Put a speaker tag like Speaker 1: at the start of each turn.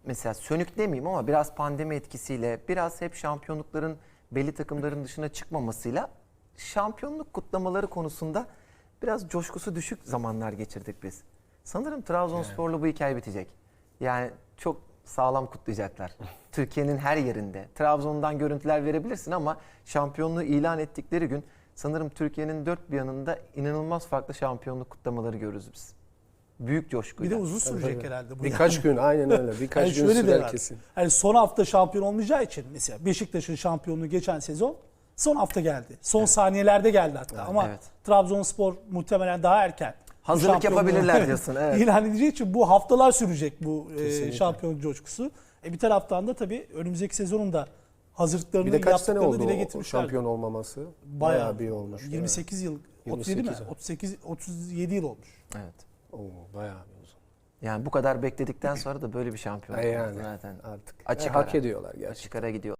Speaker 1: mesela sönük demeyeyim ama biraz pandemi etkisiyle, biraz hep şampiyonlukların belli takımların dışına çıkmamasıyla şampiyonluk kutlamaları konusunda biraz coşkusu düşük zamanlar geçirdik biz. Sanırım Trabzonspor'la bu hikaye bitecek. Yani çok sağlam kutlayacaklar. Türkiye'nin her yerinde. Trabzon'dan görüntüler verebilirsin ama şampiyonluğu ilan ettikleri gün sanırım Türkiye'nin dört bir yanında inanılmaz farklı şampiyonluk kutlamaları görürüz biz. Büyük
Speaker 2: Bir
Speaker 1: coşkuyla.
Speaker 2: de uzun sürecek herhalde bu.
Speaker 3: Birkaç gün aynen öyle. Birkaç gün
Speaker 2: şöyle de
Speaker 3: sürer
Speaker 2: var.
Speaker 3: kesin.
Speaker 2: Yani son hafta şampiyon olmayacağı için mesela Beşiktaş'ın şampiyonluğu geçen sezon son hafta geldi. Son saniyelerde geldi hatta. Ama
Speaker 1: evet.
Speaker 2: Trabzonspor muhtemelen daha erken bu
Speaker 1: Hazırlık
Speaker 2: şampiyonluğu
Speaker 1: yapabilirler diyorsun, evet.
Speaker 2: İlan edeceği için bu haftalar sürecek bu
Speaker 3: Kesinlikle.
Speaker 2: şampiyonluk coşkusu. Bir taraftan da tabii önümüzdeki sezonun da hazırlıklarını
Speaker 3: Bir de kaç sene
Speaker 2: yaptıklarını
Speaker 3: oldu
Speaker 2: dile
Speaker 3: o
Speaker 2: getirmişler.
Speaker 3: şampiyon olmaması? Bayağı bir olmuş.
Speaker 2: 28 yıl, 37 mi?
Speaker 3: 28,
Speaker 2: 38 37 yıl olmuş.
Speaker 1: Evet.
Speaker 3: Oo, bayağı bir uzun.
Speaker 1: Yani bu kadar bekledikten sonra da böyle bir şampiyonluk
Speaker 3: Yani
Speaker 1: zaten
Speaker 3: artık
Speaker 1: açık
Speaker 3: hak
Speaker 1: ara.
Speaker 3: ediyorlar gerçekten.
Speaker 1: Açık ara gidiyor.